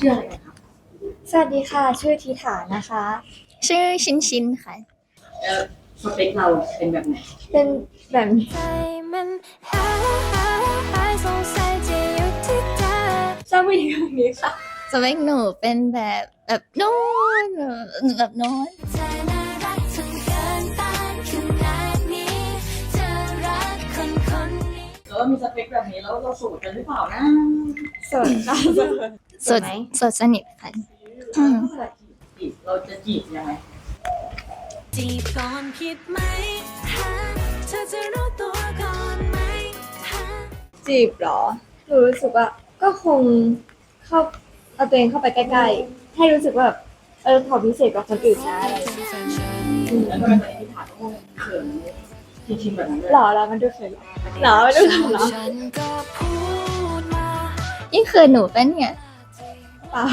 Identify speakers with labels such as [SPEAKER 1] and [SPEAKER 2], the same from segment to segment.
[SPEAKER 1] ชื่ออะไรกันครับ
[SPEAKER 2] สวัสดีค่ะ ชื่อทิฐานะคะ
[SPEAKER 3] ชื่อชินค่ะ
[SPEAKER 1] สเปคเราเป็นแบบไหน
[SPEAKER 2] เป็นแบบ
[SPEAKER 3] ใจมันหายสงสัยจะอยู่ที่เธอ
[SPEAKER 2] ชอบผู้หญิงแบบนี้ค่ะ
[SPEAKER 3] สเปคหนูเป็นแบบโน้นแบบโน้น
[SPEAKER 4] เธอน่ารักจนเกินต้านขนาดนี้เธอรักคนนี้
[SPEAKER 1] แล้วมีสเปคแบบนี้แล้วเราสูตรกันหรือเปล่านะ
[SPEAKER 2] สดค่ะ
[SPEAKER 3] สดสดสนิทค่ะอืม
[SPEAKER 1] จีบเราจะจีบยังไง
[SPEAKER 4] จีบก่อนผิดไหมฮะเธอจะรู้ตัวก่อนไหมฮะ
[SPEAKER 2] จีบเหรอ หนูรู้สึกว่าก็คงเข้าเอาตัวเองเข้าไปใกล้ๆ ให้รู้สึกว่าแบบเขาพิเศษกว่าคนอื่นนะอะไรอย่างเงี้ย
[SPEAKER 1] แล้วทำไมตอนนี้ที่ถามต้องเขินชินๆแบบนั้นด้วย
[SPEAKER 2] หล่อแล้วมันดูเขินหล่อมันดูเขินเหรอ
[SPEAKER 4] ฉันก็พูดมา
[SPEAKER 3] ยิ่งคือหนูเป็นเนี่ย
[SPEAKER 2] เปล่า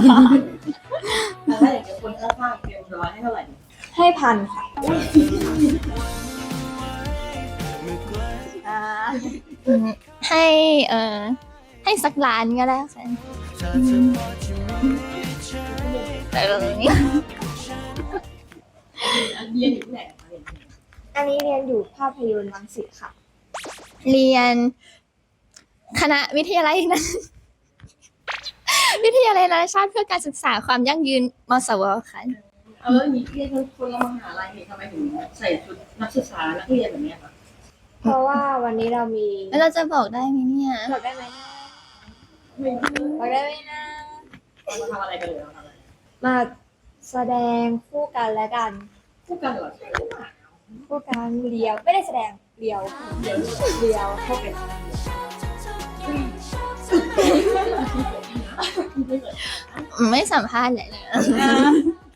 [SPEAKER 1] ถ้าอย่างเงี้ยคนข้างๆเตรียมร้อยให้เท่าไหร่
[SPEAKER 2] ให้พันค่ะอ่า
[SPEAKER 3] อืมให้ให้สักล้านก็ได้ค่ะแต่แบบนี้
[SPEAKER 1] เรียนอยู่ที่ไหนคะเรียนที่ไหน
[SPEAKER 2] อันนี้เรียนอยู่ภาพยนตร์รังสิตค่ะ
[SPEAKER 3] เรียนคณะวิทยาลัยนะ วิทยาลัยนานาชาติเพื่อการศึกษาความยั่งยืนมสวค่ะ
[SPEAKER 1] แล้วนี่เรียนคนละมหาลัยนี่ทำไมถึงใส่ชุดนักศึกษานักเรียนแบบเนี้ยคะ
[SPEAKER 2] เพราะว่าวันนี้เรามี
[SPEAKER 3] แล้วเราจะบอกได้ไหมเนี่ย
[SPEAKER 2] บอกได้ไหมนะ
[SPEAKER 1] ไม่
[SPEAKER 2] บอกได้ไหมนะ
[SPEAKER 1] เรามาทำอะไรกันเลยเราทำอะไร
[SPEAKER 2] มาแสดงคู่กันและกัน
[SPEAKER 1] คู่กันเหรอใช่หรือเปล่า
[SPEAKER 2] คู่กันเลียวไม่ได้แสดงเลียว
[SPEAKER 1] เดี๋ยว
[SPEAKER 2] เลียว
[SPEAKER 1] เข้าเป็น
[SPEAKER 3] ไม่สัมภาษณ์เลยนะ